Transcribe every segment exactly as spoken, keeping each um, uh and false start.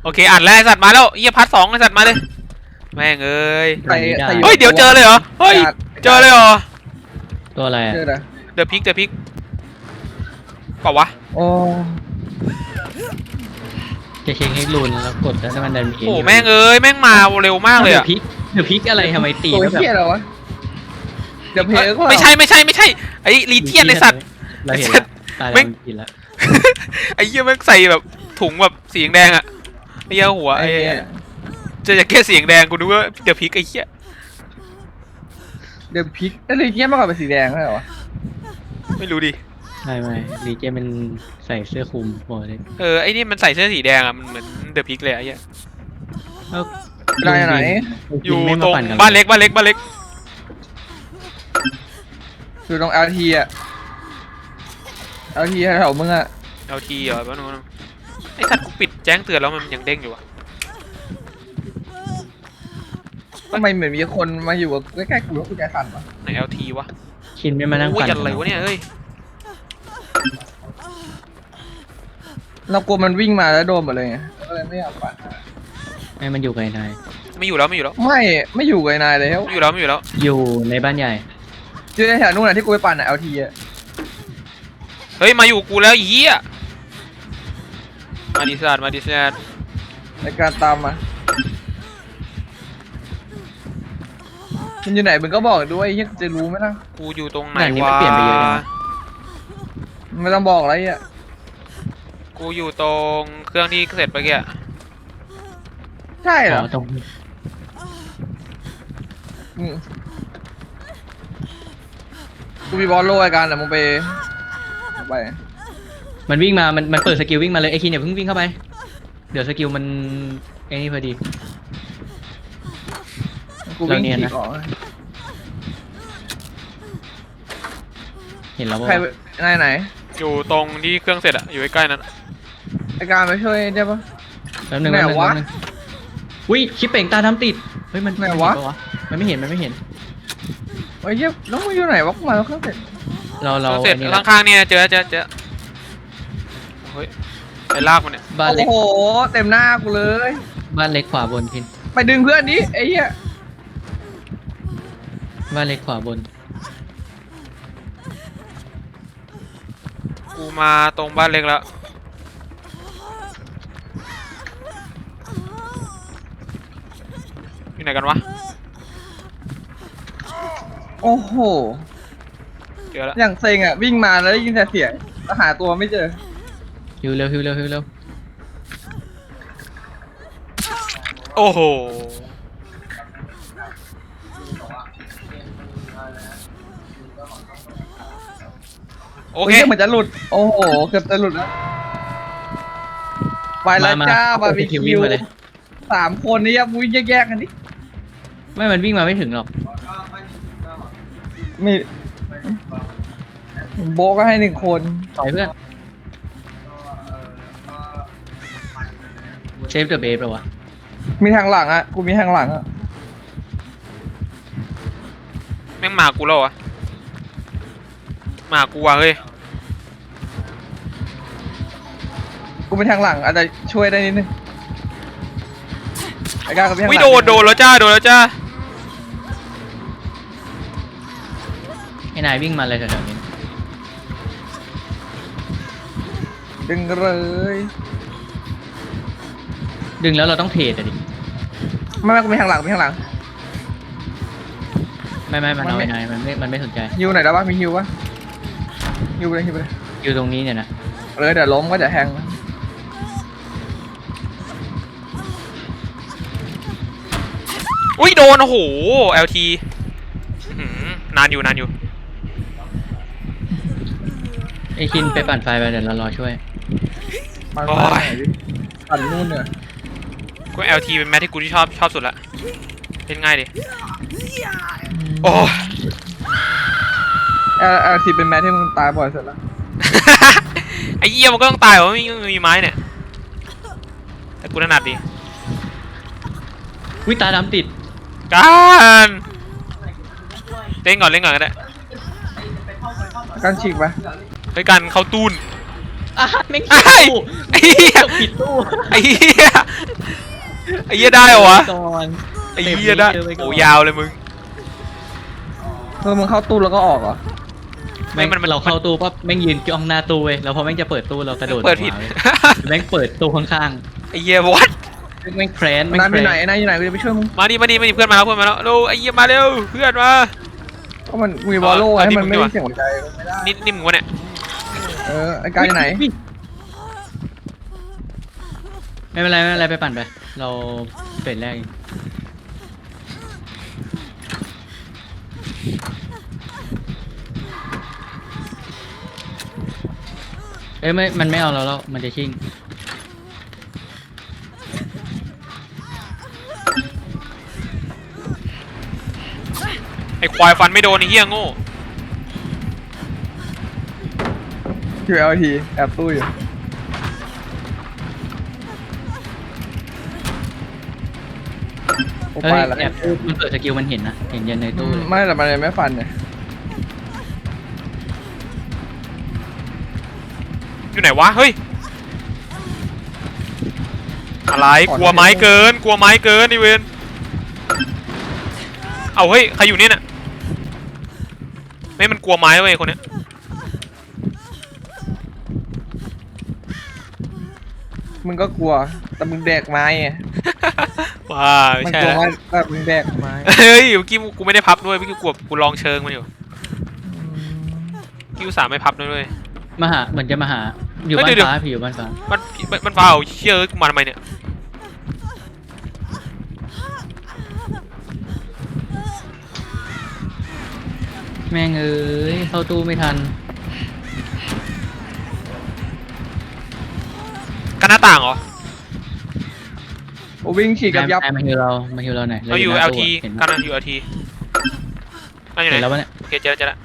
โอเคอ่านแล้วไอสัตว์มาแล้วเฮียพัดสองไอสัตว์มาเลยแม่งเอ้ยใส่ใส่เฮ้ยเดี๋ยวเจอเลยเหรอเฮ้ยเจอเลยเหรอตัวอะไรเจอนะเดอะพิกเดอะพิกเปล่าวะโอ้จะเช็คให้รุนแล้วกดแล้วมันดันมีโอ้แม่งเอ้ยแม่งมาเร็วมากเลยเดืออะดพิกเดือดพิกอะไรทำไมตีตัวแล้วแบบเฮียอะไรวะเดี๋ยวเพลก็ไม่ใช่ไม่ใช่ไม่ใช่ไอ้ลีเทียนไอสัตว์เราเห็นแล้วตายแล้วกินแล้วไอ้เหี้ยแม่งใส่แบบถุงแบบสีแดงอะไอ้เหี้ยหัวไอ้ไอ้เหี้ยเจอจากแค่สีแดงกูนึกว่าเดอะพิกไอ้เหี้ยเดี๋ยวพริกแล้วเลยเฮียมากกว่าเป็นสีแดงใช่เหรอวะไม่รู้ดิไม่ไม่ลีเจมันใส่เสื้อคลุมโอ้ยเออไอ้นี่มันใส่เสื้อสีแดงอะมันเหมือนเดอะพิกเลยไอ้เหี้ยได้ไหนอยู่ไม่ตรงปั่นกันบ้านเล็กบ้านเล็กบ้านเล็กอยู่ตรง แอล ที อ่ะ แอล ที แถวมึงอ่ะเอาทีเหรอแป๊บนึงแป๊บนึงไอ้สัตว์กูปิดแจ้งเตือนแล้วมันยังเด้งอยู่อะทำไมเหมือนมีคนมาอยู่ใกล้ๆกูแล้วกูใจสั่นวะไหน แอล ที วะชินไม่มานั่งโอ้ยปั่นอะไรวะเนี่ยเอ้ยเรากลัวมันวิ่งมาแล้วโดนหมดเลยไงก็เลยไม่อยากปั่นไม่มันอยู่ไกลนายไม่อยู่แล้วไม่อยู่แล้วไม่ไม่อยู่กับนายเลยไม่อยู่แล้วไม่อยู่แล้วอยู่ในบ้านใหญ่อยู่ในแถวนู้นน่ะที่กูไปปั่นอ่ะ แอล ที อ่ะเฮ้ยมาอยู่กูแล้วไอ้เหี้ยมาดิสัตว์มาดิสัตว์ในการตามมามันอยู่ไหนมึงก็บอกด้วยเฮียจะรู้ไหมล่ะกูอยู่ตรงไหนด่านนี้วะมันเปลี่ยนไปเยอะเลยนะไม่ต้องบอกอะไรอ่ะกูอยู่ตรงเครื่องที่เสร็จไปเมื่อกี้อะใช่เหรอ๋ออตรงอืมกูมีบอลโลไอการแต่มึงไปไปมันวิ่งมามันมันเปิดสกิลวิ่งมาเลยไอคินอย่าเพิ่งวิ่งเข้าไปเดี๋ยวสกิลมันไอ้นี่พอดีกูวิ่งเราเนียนขี่นะออกเห็นแล้วใครว่าไหนไหนอยู่ตรงที่เครื่องเสร็จอะอยู่ใกล้ๆนั้นอะไอการไปช่วยได้ปะแป๊บนึงไหนแป๊บนึงวะแป๊บนึงอุ้ยชิปเป่งตาทำติดเฮ้ยมันไหนมัวะเห็ปมันไม่เห็นมันไม่เห็นไอ้เหี้ยแล้วมึงอยู่ไหนวะกูมาแล้วเครื่องเสร็จเราเคเรารื่องเสร็จอันนี้ละข้างๆเนี่ยเจอเจอเจอเฮ้ยไอ้ลากมันเนี่ยบ้านเล็กโอ้โหเต็มหน้ากูเลยบ้านเล็กขวาบนพินไปดึงเพื่อนดิไอ้เหี้ยบ้านเล็กขวาบนกูมาตรงบ้านเล็กแล้วอยู่ไหนกันวะโอ้โหเจอแล้วอย่างเซ็งอ่ะวิ่งมาแล้วได้ยินแต่เสียงแล้วหาตัวไม่เจอฮิวเร็วฮิวเร็วฮิวเร็วโอ้โหโอเคไอ้หี้ยเหมือนจะหลุดโอ้โหเกือบจะหลุดแล้วไปแล้วจ้าบาร์บีคิววิ่งมาเลยสามคนนี่ยับวิ่งแยกๆกันดิไม่มันวิ่งมาไม่ถึงหรอกมีโบะก็ให้หนึ่งคนต่อยเพื่อนเซฟเดอะเบฟเหรอวะมีทางหลังอ่ะกูมีทางหลังอ่ะแม่งมากูแล้วเหรอะมากูว่ะเฮ้ยกูมีทางหลังอาจจะช่วยได้นิดนึงไอ้ก้าก็มีทางหวิลังโดนโดนแล้วจ้าโดนแล้วจ้าไอ้นายวิ่งมาเลยแถวๆนี้ดึงเลยดึงแล้วเราต้องเทรดอะดิไม่ไม่กูมีทางหลังมีทางหลังไม่ไม่มันมันเอาไม่ไอ้นายมันไม่มันไม่สนใจฮิวไหนแล้ววะมีฮิวปะฮิวไปเลยฮิวไปเลยอยู่ตรงนี้เนี่ยนะเออเดี๋ยวล้มก็จะแทงนะอุ้ยโดนโอ้โห แอล ที อื้อหือนานอยู่นานอยู่ไอ้คินไปปั่นไฟไปเดี๋ยวเรารอช่วยปั่นโอ้ไปยไหนดิปั่นนู่นเนี่ยกู แอล ที เป็นแมทที่กูที่ชอบชอบสุดละเล่นง่ายดิโอ้เออเออทีเป็นแมทที่มึงตายบ่อยสุดแล้วไอ้เหี้ยมันก็ต้องตายเพราะไม่มีไม้เนี่ยแต่กูถนัดดิวิตาดำติดการเล่นก่อนเล่นก่อนก็ได้กันฉีกปะเฮ้ยกันเข้าตูนอ่ะแม่งไอ้ตู้ไอ้เหี้ยผิดตู้ไอ้เหี้ยไอ้เหี้ยได้เหรอวะก่อนไอ้เหี้ยได้โอ้ยาวเลยมึงเออมึงเข้าตู้แล้วก็ออกเหรอแม่งมันมันเราเข้าตู้ปั๊บแม่งยืนจ้องหน้าตู้เว้ยแล้วพอแม่งจะเปิดตู้เรากระโดดเปิดผิดออกมาว้ยแม่งเปิดตู้ข้างไอ้เหี้ยวัดๆแม่งแครนแม่งนายแคอรยู่ไหนนนายอยู่ไหนกูจะไปช่วยมึงมาดิมาดิมาดิเพื่อนมาแล้วเพื่อนมาแล้วเร็วไอ้เหี้ยมาเร็วเพื่อนมาก็มันมีบอลโล่เอาให้ดิมันมึงไม่ดีกได้ว่าเสียงหัวใจไม่ได้นี่นี่มึงวะเนี่ยเออไอ้กายอยู่ไหนไม่เป็นไรไม่เป็นไรไปปั่นไปเราเฟสแรกเองเอ้ยไม่มันไม่เอาเราแล้วมันจะชิ่งไอ้ควายฟันไม่โดนไอ้เหี้ยโง่คิวเอลทีแอบตู้อยู่โอ้เฮ้ไปยละแอบตู้มันเปิดสกิลมันเห็นนะเห็นยันในตู้เลยไม่แต่มันยังไม่ฟันเนี่ยอยู่ไหนวะเฮ้ยอะไรกลัวไม้เกินกลัวไม้เกินไอ้เวนเอาเฮ้ยใครอยู่เนี่ยน่ะไม่มันกลัวไม้เว้ยคนเนี้ยมึงก็กลัวแต่มึงแดกไม้ไงว้าไม่มันใช่กลัวแล้วว่าแต่มึงแดกไม้เฮ้ยเมื่อกี้กูไม่ได้พับด้วยเมื่อกี้กูกูลองเชิงมันอยู่กี้อุตส่าห์ไม่พับด้วยด้วยมาหาเหมือนจะมาหาอยู่เฮ้ยบ้านเดี๋ยวฟ้าผีอยู่บ้านฟ้ามันมันมันฟ้าเอาเชื่อกูมาทำไมเนี่ยแม่งเอ้ยเข้าตู้ไม่ทันกันหน้าต่างเหรอโอ้วิ่งฉีกกับยับนายมาฮิวเรามาฮิวเราหน่อยเราอยู่หแอน้าลตู้ทีอะเห็นกันปะนะอยู่ แอล ทีนั่นอยู่ไหเห็นนแล้วปะเนี่ยโอเคเจอแล้วเจอแล้ว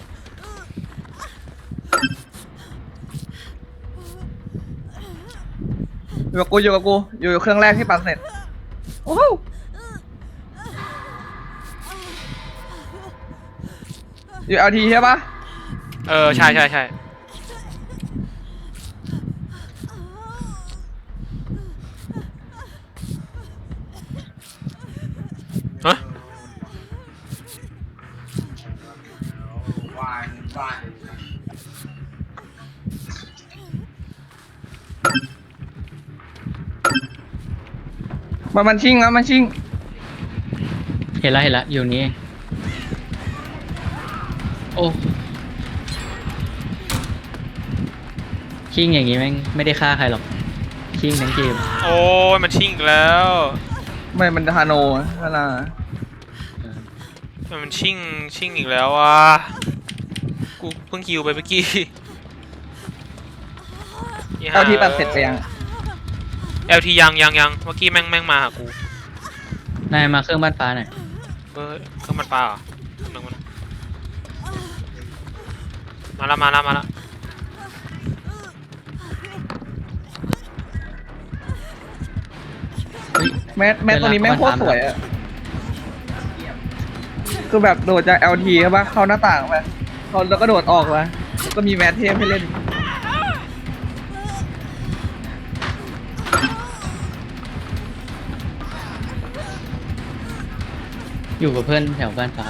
อยู่กับกูอยู่กับกูอยู่เครื่องแรกที่ปักเสร็จโอ้โหอยู่เอลทีใช่ปะเออใช่ใช่ใช่ฮะมันมันชิงแล้วมันชิงเห็นแล้วเห็นแล้วอยู่นี้เองโอ้ชิงอย่างงี้แม่งไม่ได้ฆ่าใครหรอกชิงทั้งเกมโอ้ยมันชิ่งอีกแล้วไม่มันฮาโนฮานาเออมันชิ่งชิ่งอีกแล้วอ่ะกูเพิ่งคิวไปเมื่อกี้เอลทีปักเสร็จไปยังเอลทียังยังยังเมื่อกี้แม่งแม่งมาหากูนายมาเครื่องบ้านฟ้าหน่อยเออเครื่องมันปลาเหรอนึกว่ามาแล้วมาแล้วมาแล้วเฮ้ยแมสแมสตัวนี้แม่งโคตรสวยอะคือแบบโดดจาก แอล ที ใช่ปะเข้าหน้าต่างไปเขาแล้วก็โดดออกมาก็มีแมสเทพให้เล่นอยู่กับเพื่อนแถวบ้านฟ้า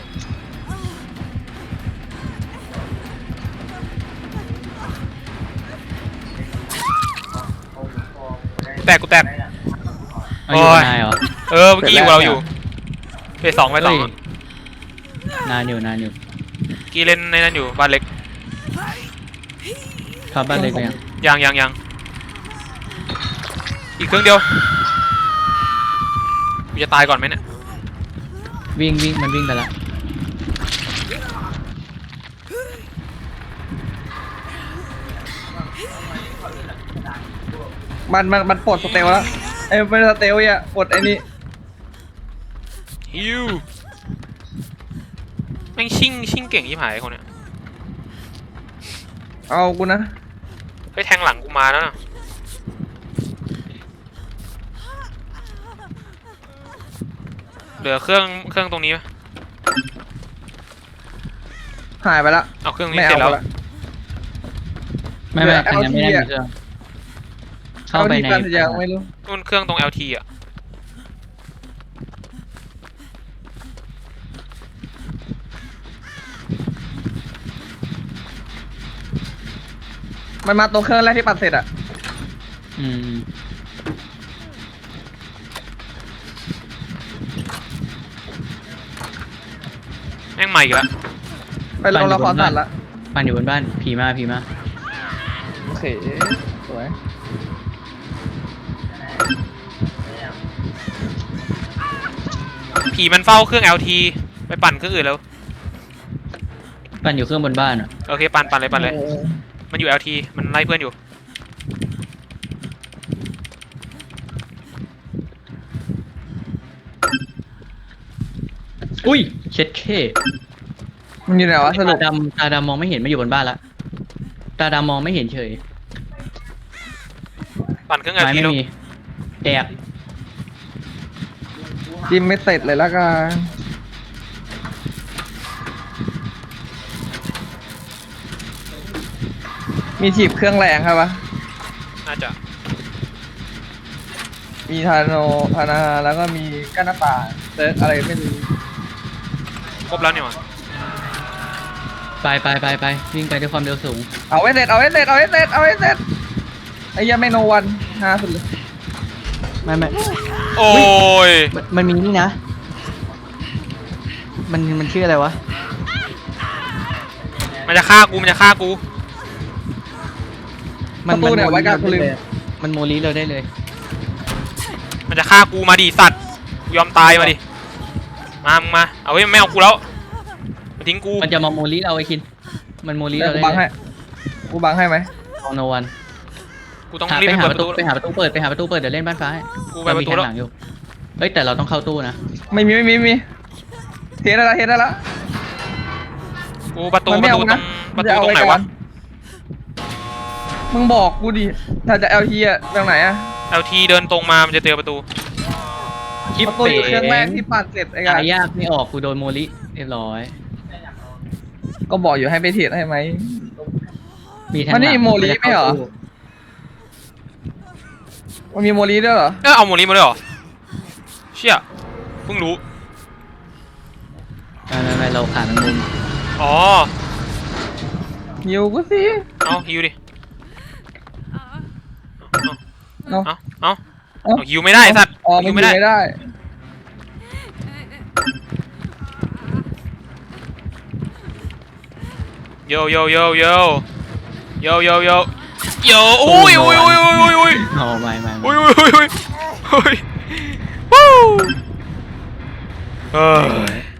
แตกกูแตกเอาอยู่โอ้กับยนายเหรอเออเมื่อกี้อยู่กับเราอยู่ไปสองไปสองเฮ้ยนานอยู่นานอยู่กี้เล่นในนั้นอยู่บ้านเล็กเข้าบ้านเล็กไปยังยังยังยังอีกเครื่องเดียวกูจะตายก่อนไหมเนี่ยวิ่งวิ่งมันวิ่งไปละมันมันมันปลดสเตลแล้วไอ้ยไม่ใช่สเตลอ่ะปลดไอ้นี่ฮิวแม่งชิ่งชิ่งเก่งยี่หายคนเนี้ยเอากูนะไปแทงหลังกูมาแล้วนะเหลือเครื่องเครื่องตรงนี้ไหมหายไปละเอาเครื่องนี้ไม่เสร็เอาจแล้วละไม่ไม่เหลือทางนั้นไม่ได้แอลมีทีเครื่องเข้าเข้าไปไปในในยังไม่รู้นู่นเครื่องตรง แอล ที อ่ะมันมาตรงเครื่องแรกที่ปัดเสร็จอะอืมแม่งใหม่อีกแล้วไปลงละครสัตว์ละปั่นอยู่บนบ้านผีมาผีมาโอเคสวยผีมันเฝ้าเครื่อง แอล ที ไปปั่นเครื่องอื่นแล้วปั่นอยู่เครื่องบนบ้านอ่ะโอเคปั่นปั่นเลยปั่นเลยออมันอยู่ แอล ที มันไล่เพื่อนอยู่อุ้ยเช็ดเคมันอยู่ไหนวะสรุปตาดำตาดำมองไม่เห็นมาอยู่บนบ้านละตาดำมองไม่เห็นเฉยปั่นเครื่อง แอลไม้ทีไม่แล้วมีแตกจิ้มไม่เสร็จเลยละกันมีถีบเครื่องแรงครับปะน่าจะมีทาโนพานาแล้วก็มีกั้นหน้าต่างเซิร์ฟอะไรไม่รู้ครบแล้วเนี่ยว่ะไปไปไปไปวิ่งไปด้วยความเร็วสูงเอาไว้เสร็จเอาไว้เสร็จเอาไว้เสร็จเอาไว้เสร็จไอ้เหี้ยังไม่โนวันฮาสุดเลยไม่ไม่โอ้ยมันมันมีนี่นะ มันมันชื่ออะไรวะมันจะฆ่ากูมันจะฆ่ากูประตูเนี่ยไว้กลางคุลิมมันโมลีเราได้เลยมันจะฆ่ากูมาดิสัตว์กูยอมตายมาดิมามึงมาเอาเฮ้ยมันไม่เอากูแล้วมาทิ้งกูมันจะมาโมลีเราไอ้คิน มันโมลีเดี๋ยเราวกูได้บังให้กูบังให้ไหมเอาโนวันกูต้องหารีบไปไปหาเปิดปประ ระตูตูไปหาประตูเปิดไปหาประตูเปิดไปหาประตูเปิดเดี๋ยวเล่นบ้านฟ้าให้กูไปประตูแล้วเรามีทางหลังอยู่เฮ้ยแต่เราต้องเข้าตู้นะไม่มีไม่มีไม่มีเทได้ละเทได้ละกูประตูมันปไม่ระเอาตูตรนะงปมัระนตูจะเอาตรงไหนไว้ก่อวะนมึงบอกกูดิถ้าจะ แอล ที อะตรงไหนอะแอล ที เดินตรงมามันจะเจอประตูคิปประตูเป๋อยู่เครื่องแรกที่ปัดเสร็จไอ้กัหาน ยากไม่ออกกูโดนโมลีเรียบร้อยก็บอกอยู่ให้ไปเทรดให้ไหมมีทางมันนี่หลังโมลีไม่เหรอ มันมีโมลีด้วยเหรอเออเอาโมลีมาด้วยเหรอเชี่ยเพิ่งรู้ไม่ไม่ไม่เราขาดมันมุมอ๋อหิวกูสิเอาฮิวดิเอาเอาเอาเอาเอาฮิวไม่ได้ไอ้สัตว์อ๋อฮิมันวหิไม่วได้ไม่ได้โยโยโยโยโยโยโยโยโอ้ยโอ้ยโอ้ยโอ้ยโอ้ยโอ้ยเอาไม่ไม่ไม่โอ้ยโอ้ยโอ้ยโอ้ยโอ้ยวู้เฮ้ย